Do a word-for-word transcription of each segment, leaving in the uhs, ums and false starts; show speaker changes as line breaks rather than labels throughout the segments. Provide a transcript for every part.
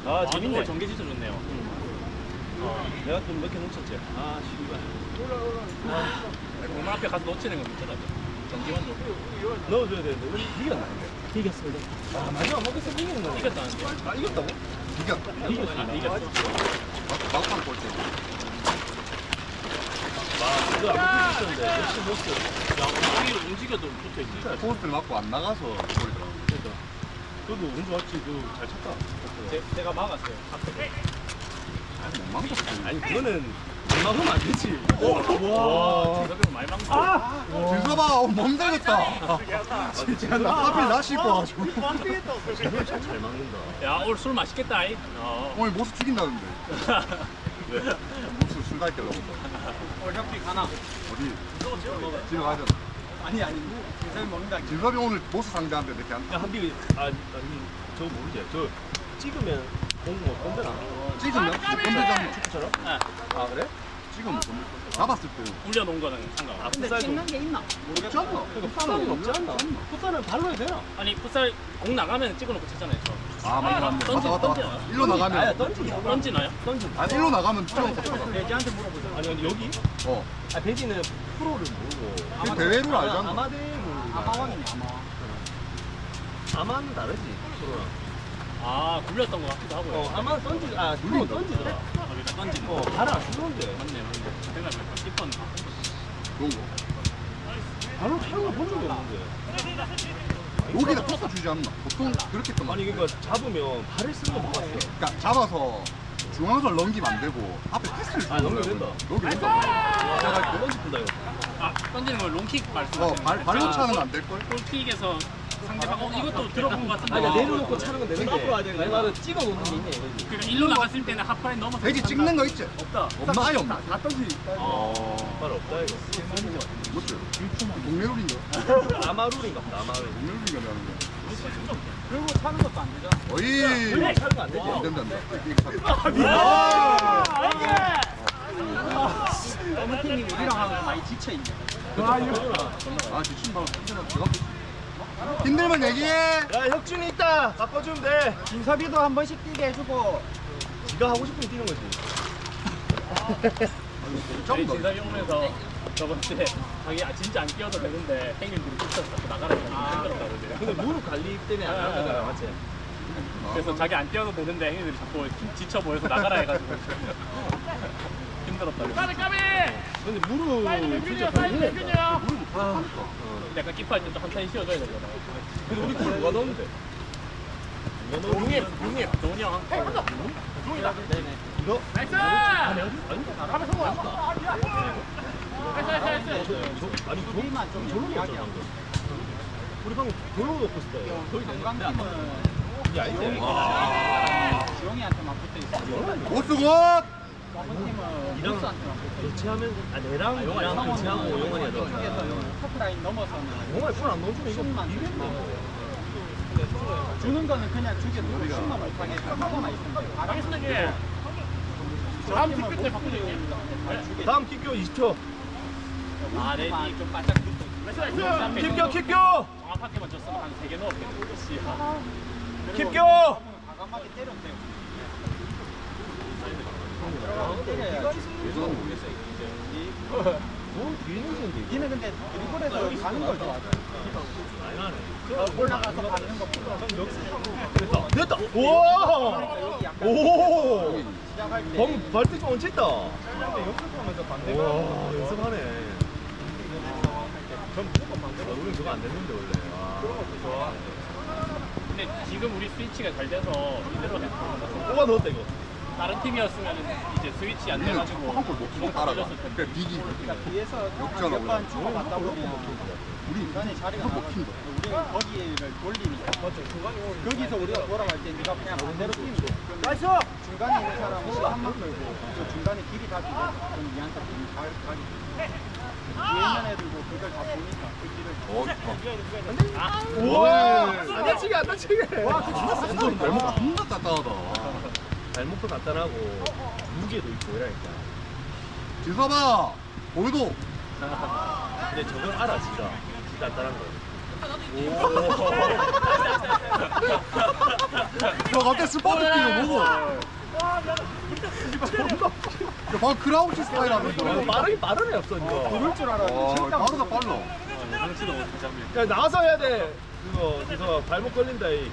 아, 재밌네.
전개 진짜 좋네요.
어, 내가 좀 몇 개 놓쳤지. 아, 씨발.
공만 앞에 가서 놓치는 건 있잖아. 전기만 줘.
넣어줘야 되는데 우리 이겼나는데? 이겼습니다. 아, 마지막 먹겠어 이기는 거네.
이겼다는데.
아, 이겼다고?
이겼다.
이겼습니다.
이겼어.
막판 골대.
와, 이거 안 붙었는데 역시 보스.
야, 여기를 움직여도 붙어 있네.
포스트를 맞고 안 나가서 골이더라.
그러니까. 그래도 운 좋았지. 그잘 쳤다.
제, 제가 막았어요.
아니, 못 망쳤어.
아니 그거는 막으면 안 되지.
와, 저기는 많이 막는
아!
들어봐, 멈들겠다. 진짜 나 하필 나 씹고 가지고.
진짜 잘 막는다.
야, 오늘 술 맛있겠다. 이. 어.
오늘 모습 죽인다는데.
왜?
모습 술 갈게 라고.
오늘 협기 가나?
어디? 집에 가야 되나?
아니, 아니. 인사님 먹는다.
진섭이 오늘 모습 상대한테 이렇게 한.
야, 한비, 아, 아니, 저 모르지. 저 찍으면 공못 건드나?
찍으면 못 건들잖아.
축구처럼?
네.
아, 그래?
찍으면 못 건들. 잡았을 때.
올려놓은 거는 상관없어.
아,
근데
풋살도-
찍는 게 있나?
없지 않나?
그러니까 풋살은 없지 않나? 풋살은 발로 해야 되나?
아니, 풋살 공 나가면 찍어놓고 쳤잖아요. 저.
아, 맞네, 맞네.
던지-
맞다, 맞다, 맞다.
던지나요?
일로
아야,
나가면.
던지냐?
던지나요?
던지.
아, 일로 나가면 찍어서 쳐.
돼지한테 물어보자.
아니, 아니, 여기?
어.
아, 배지는 프로를 모르고.
그 대회를 알잖아.
아마대를 모르고.
아마왕이네, 아마왕.
아마는 다르지, 프로랑.
아, 굴렸던 것 같기도 하고요.
어, 아마 던지, 아, 프로 던지더라.
아, 그러니까 던지는
어,
거.
발을 안 쓰는데.
맞네, 맞네. 생각해보니까 씹었나?
그런 거.
발로 차는 거본 적이 없는데.
여기다 토스 주지 않나? 보통 그렇게 했던 거
아니, 그러니까 잡으면 발을 쓰는 거 못 봤어.
그러니까 잡아서 중앙선 넘기면 안 되고 앞에 패스를
아, 넘기면 된다.
넘기면 된다.
와, 던지 푼다, 이거.
아, 던지는 걸 롱킥
어,
말씀하시는
발, 발로
거예요?
차는 안 될걸?
골킥에서 상대방 어 이것도 들어본 것 같은데.
아니, 그러니까 내려놓고 차는 건 되는데.
앞으로 와야 되는
내 말은 찍어 놓는 게 있냐, 이거지.
그러니까 일로 나갔을 때는 하프라인 넘어서
돼지 찍는 거 있지?
없다.
없나? 아예 없나?
다 던지.
어.
발 없다, 이거.
뭐지? 동네룰인가?
아마룰인가 보다, 아마룰.
동네룰인가 하는 거.
그리고 차는 것도 안 되잖아.
어이!
그래, 차는 거안 되지.
안 된다, 안 된다. 이렇게 차-
어느 팀이 우리랑 하면 많이 지쳐있네.
아, 지금 바로 제가 힘들면 얘기해!
야, 혁준이 있다. 바꿔주면 돼.
김섭이도 한 번씩 뛰게 해주고.
지가 하고 싶으면 뛰는 거지.
저희
좀 더.
진섭이 오면서 저번 주에 자기 아, 진짜 안 뛰어도 되는데 행인들이 붙여서 자꾸 나가라 해가지고 힘들었다고 그러더라고요.
근데 무릎 관리 때문에 안 하는 거잖아, 맞지?
그래서 자기 안 뛰어도 되는데 행인들이 자꾸 힘 지쳐 보여서 나가라 해가지고 힘들었다고. 까비 까비!
근데 무릎 진짜 관리 된다. 아,
약간 키퍼할 때도 한 타임 쉬어줘야 되잖아요.
근데 우리 골 누가 넣었는데?
용입 용입 도훈이 형. 종이다. 네네.
너?
나이스!
아니, 가면 성공.
나이스 나이스 나이스.
아니, 저,
우리만 좀
저런 거
이야기하고.
있잖아. 우리 방금 별로 놓고 싶다.
저희 건강팀은
이게 아닌데.
지용이한테만 붙어있어.
오스곤!
팀은
이랑
보스한테만 붙어있어.
교체하면, 아, 내랑 이랑 교체하고 용환이야, 너.
쪽에서 터프라인 넘어서는
용환이 풀안 넣어주면 이거
슛만
이겼네.
주는 거는 그냥 주게 놓고 슛만 못하게 하고만 있으면 돼.
알겠습니다. 다음 킥 끝에 바꾸죠.
다음 킥교 이십 초.
아, 네.
좀 좀 바짝 붙어.
나이스 나이스.
킥교, 킥교!
정확하게만 줬으면 한 세 개 넣었겠네. 씨.
킥교!
과감하게 때려도 되고.
뭐, 뒤에 있는데.
니는 근데 드리블에서 가는 걸 좋아하잖아. 올라가서 받는 것보다
됐다. 됐다. 우와!
여기 약간
오!
시작할 때
방금 발등 좀 얹혔다.
연습하면서 반대가
와, 연습하네. 전 무조건 반대로. 우린 저거 안 됐는데, 원래. 아. 그런 것도 좋아.
근데 지금 우리 스위치가 잘 돼서 이대로 해.
뽑아 넣었다, 이거.
다른 팀이었으면 이제 스위치 안 돼가지고
한골 못 주고 따라가.
걸렸을 텐데.
그래, 비기.
뒤에서
역전하고
몇번 주고받다 보면
우리
중간에 자리가
못
나가서
킨다.
우리는 거기를 돌리니까 거기서 우리가 돌아갈 때 네가 그냥 반대로 뛰면 돼.
나이스!
중간에 있는 사람은 시간만 끌고 저 중간에 길이 다 비고 그럼 니한테 잘 가기 뒤에 있는 애들도 그걸 다 보니까 그 길을
어,
우와! 안 다치게, 안 다치게! 와, 그 진짜
완전 발목 겁나 따뜻하다.
발목도 단단하고, 무게도 있고, 이러니까.
지섭아! 오늘도
근데 저건 알아, 진짜. 진짜 단단한 거.
야 갑자기 스파트 뛰는 뭐고? 야 방금 크라우치 스타일 하면서.
빠르게 빠르네 없어 이거.
그럴 줄 알았는데
와
진짜
빠르다 빨라.
야 나와서 해야 돼. 그거 그래서 발목 걸린다 이.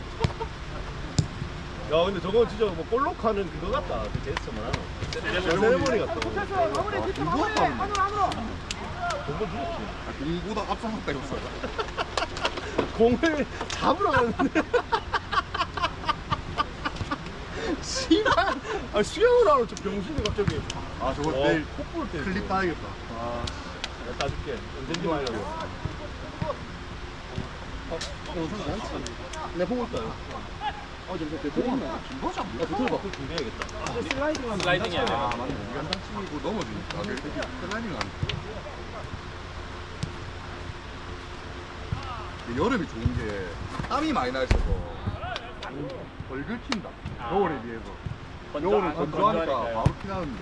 야 근데 저거 진짜 뭐 볼록하는 그거 같다. 그 제스처만. 세레모니 같다.
공보다 빠르네.
공을 죽였지.
아, 공보다 앞서갔다 이거.
공을 잡으러 가는데. 씨발. 아 수영을 하러 저 병신이 갑자기.
아 저거
어,
내일
콧불 때.
클립 따야겠다.
아, 내가 따줄게. 언제인지 말려고. 어, 이거 선수 많지? 내 보고 있어요. 어, 지금 대통령.
김거지 안
나
보여?
대통령 바꿀 준비해야겠다.
슬라이딩 하면
슬라이딩이 아니라.
아 맞네. 우리 한장 치고 넘어지니까. 아, 그래. 슬라이딩 안 돼. 이게 여름이 좋은 게 땀이 많이 나 있어서 덜 긁힌다.
아.
겨울에 비해서.
건조-
겨울은
아,
건조하니까
건조하니까요.
바로 피나는데.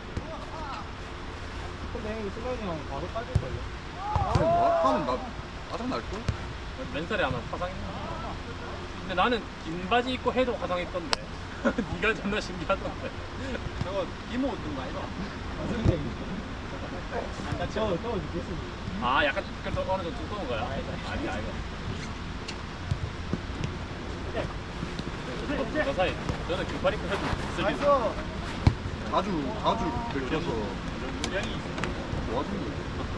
근데 형이 슬라이딩 하면 바로 빠질걸요?
그럼 뭐 하면 나 짜증 날 걸?
맨살에 하나 화상했나? 근데 나는 긴 바지 입고 해도 화상했던데. 네가 존나 신기하던데.
저거 이모 옷든 거 아니야? 안 다쳐. 또 죽겠습니다.
아 약간 그래도 어느 정도 두꺼운 거야? 아니 아니. 저 사이 저는 긴발 입고 해도 쓸
자주 자주 긁혀서
무량이 있어.
좋아진 거지.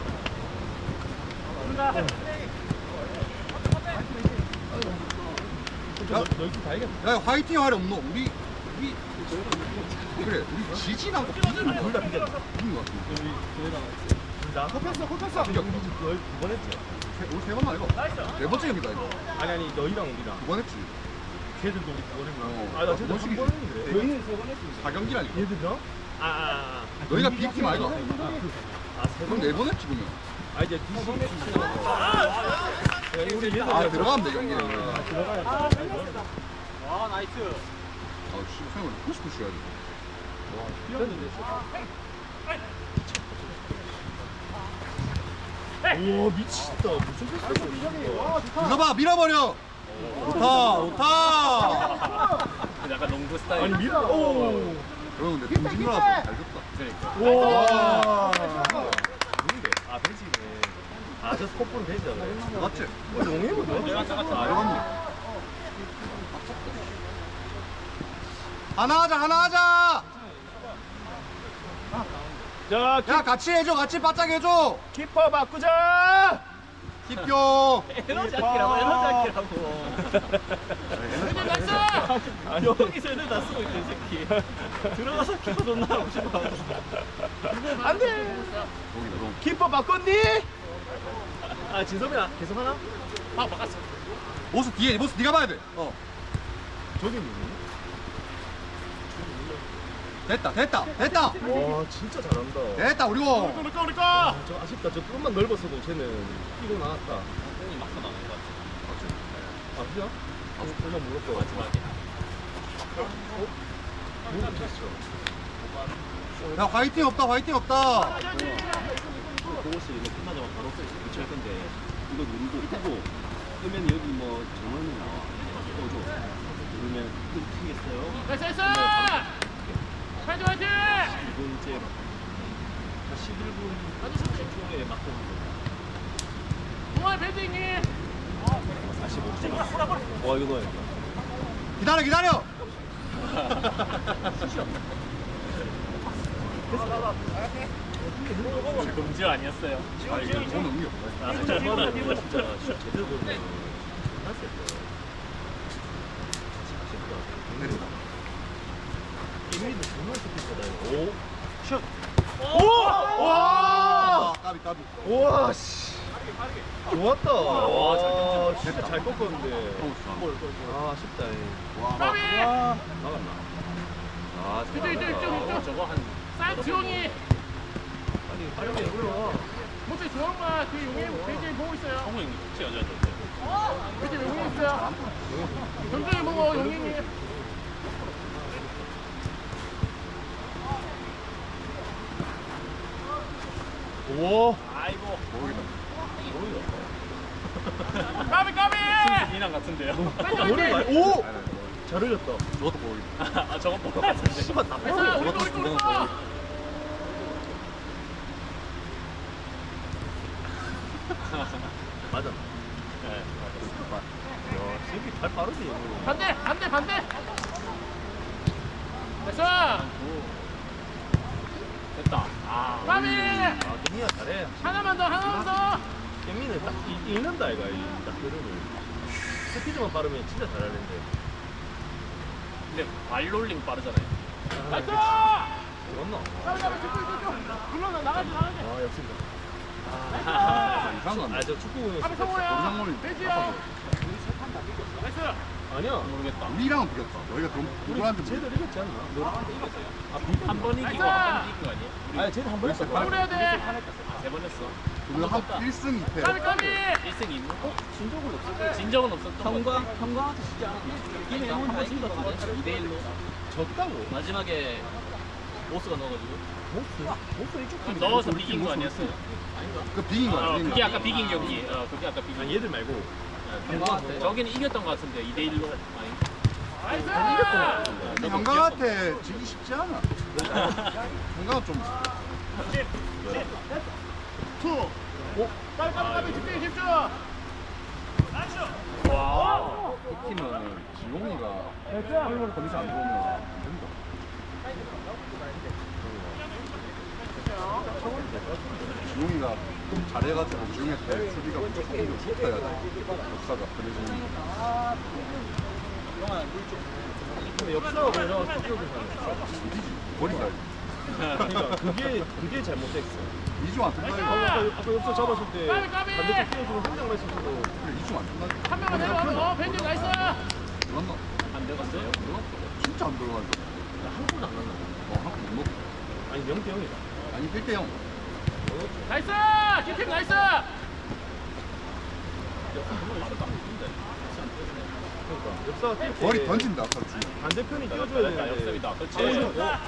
야,
너희들 다이겠다.
야 화이팅 하려 없노? 우리 우리 그래 우리 지진하고 비기는
둘 다 비겼다.
비긴 거 같은데.
우리 저희랑 둘 다.
kop했어, kop했어.
비겼다.
너희 두번 했지?
우리 세 번만 이거. 네 번째 경기다 이거.
아니 아니 너희랑 우리랑.
두 번 했지.
걔들도 우리 두번 했나?
어.
아나 쟤들
멋지게.
한번 했는데.
저희는 세번 했습니다.
사 경기라니까.
얘들이랑? 아, 아, 아.
너희가 B팀 아이가?
아, 세
그럼 네 번 했지 그러면.
아 이제 두 번 했지. 우리 얘들
아 들어가면 돼 경기는.
들어가야 돼.
와, 나이스.
아 씨, 생각을 푸시푸시 해야지.
뛰었는데. 우와 미치겠다. 무슨 패스야?
밀어봐 밀어버려. 좋다 좋다.
약간 농구 스타일.
아니 밀어. 오.
그러면 내 동진 누나서 잘 줬다.
그러니까.
와. 누군데? 아 벤치네. 아저 스코프는 벤치잖아.
맞지?
어 용해보네.
내가 아까 같은
아
말.
이거네. 하나 하자 하나 하자.
자
야 같이 해줘 같이 바짝 해줘.
키퍼 바꾸자.
기표.
에너지 아끼라고 에너지 아끼라고.
아니 여기서 애들 다 쓰고 있대 이 새끼. 들어가서 키퍼 존나 하고 싶어. 안돼.
거기 그럼.
키퍼 바꿨니? 아 진섭이야 계속 하나?
아 바꿨어.
모습 뒤에 모습 네가 봐야 돼. 어.
저기 누구니?
됐다 됐다 됐다
와 진짜 잘한다.
됐다 우리 거.
우리 거 우리 거. 아, 저 아쉽다. 저 조금만 넓었어도 쟤는 뛰고 나왔다.
형이 막서 나온 거 같아.
아 진짜? 아 설마 물었고.
마지막에.
뭐 못했어.
야 화이팅 없다 화이팅 없다.
그것을 이거 끝나자마자 바로 교체할 건데 이거 누르고 끄고 끄면 여기 뭐 전원이 나와 꺼줘 누르면 이거 튀겠어요.
나이스 나이스. 화이팅 화이팅.
이거 이제 한 십일 분 초에 맞고
동아리 밴딩님.
사십오 분 와 이거 넣어야겠다.
기다려 기다려.
금지 아니었어요.
아 이거 오늘 의미 없다.
아 저번에 이거 진짜 슛 제대로 보면
이미도 정말 좋겠다. 오. 슛.
오! 와! 까비 까비.
와 씨. 좋았다.
와, 잘
와,
던졌다.
진짜 잘 꺾었는데.
어,
아, 아쉽다. 이.
와.
막았나? 아,
이쪽 이쪽 이쪽 이쪽. 저거 한. 싼 지용이.
빨리 빨리 올라와.
모두 조용마 그 용해 베이징 보고 있어요. 성우 형님 혹시 여자인데? 베이징 용해 있어요. 경쟁이 보고 용행이.
오.
아이고.
모르겠다.
까비! 장 같은데요.
머리 많이- 오! 잘 흘렸다.
저것도 보이.
아 저거 뭐 같은데.
씨발 다
나이스!
뻔해.
우리 거 우리 거 우리 거.
맞아.
네,
야, 새끼 발 빠르지. 이거.
반대 반대 반대. 됐어. 됐다. 아. 까비.
아, 갱이가 잘해.
하나만 더 하나만 더.
갱이는 딱 이- 읽는다 이가 이딱 흐름을. 스피드만 빠르면 진짜 잘하는데.
근데 발롤링 빠르잖아요. 나이스.
맞나?
까비 까비 쭉쭉 쭉쭉. 불러나 나가지 나가지.
아, 역습니다.
이상한
아, 저 축구
까비 성호야.
우리
돼지야. 나이스.
아니야.
모르겠다.
우리랑은 비겼다. 너희가 좀 누구한테
쟤들 이겼지 않나? 너랑 이겼어요. 아,
한 번 이기고 나이스! 한 번 이긴 거 아니에요?
아니, 쟤들 한번 했어.
뭘 해야 돼? 세 번 했어.
우리가 한 일 승 이 패.
까비 까비. 일 승 이 무. 진 적은 없었어. 진 적은 없었던 거.
형광 형광한테 진않 이기면 한번 이긴 것 같은데 이 대 일로
졌다고?
마지막에 보스가 넣어가지고
보스? 보스 이쪽 팀이
넣어서
우리
비긴
팀
거
보스
아니었어요?
그 비긴 거야.
어,
비긴
그게
거.
아까 비긴 경기. 어, 그게 아까 비긴.
아니, 얘들 말고.
형광한테
저기는 이겼던 거 같은데 이 대 일로. 아니. 나이스.
근데 형광한테 지기 쉽지 않아. 형광은 좀
빨리 빨리 빨리 집중 집중. 와.
이 팀은 지용이가 팔월 컨디션 안 좋으면 안 된다. 지용이가 좀 잘해가지고 지용이한테 수비가 무조건 좀 붙어야 돼. 역사가 그래서
근데 역사가 그래서 스피드를 사는
어디지? 버린다.
그러니까 그게, 그게 잘못됐어.
이중 안 뜬다 이거.
아까, 아까 역사 잡았을 때
까비, 까비!
반대쪽 뛰어주고 한 명만 있었어도
그래 이중 안 뜬다.
한 명만 내려가면 어 벤지 나이스.
들어갔나?
안 들어갔어요?
진짜 안 들어가지.
한 골도 안 났나?
어, 한번 못 넣고.
아니 영 대 영이다.
아니 일 대 영.
나이스. 킥팀 나이스.
그러니까 역사가 뛸 때
머리 던진다 아까 주.
반대편이 뛰어줘야
나
되는데
역습이다. 그렇지.
어,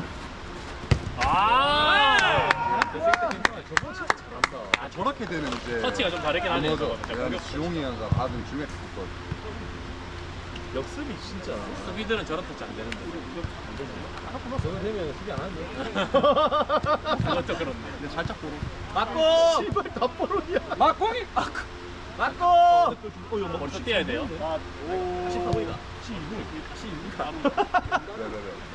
아.
그 새끼 괜찮아. 저거 진짜 잘한다.
아, 저렇게 되면 이제
터치가 좀 다르긴 하네요.
맞아.
저거는.
내가
공격
지용이가 받은 중에 있거든.
역습이 진짜.
수비들은 저런 터치 안 되는데.
저거 되면 수비 안 하죠.
그것도 그렇네.
근데 살짝 보고.
맞고
씨발 다 뽀로이야.
맞공이 맞고
어, 이거 뭐
벌써 뛰어야 돼요.
십사 분이다. 십이 분. 십이 분.
네네네.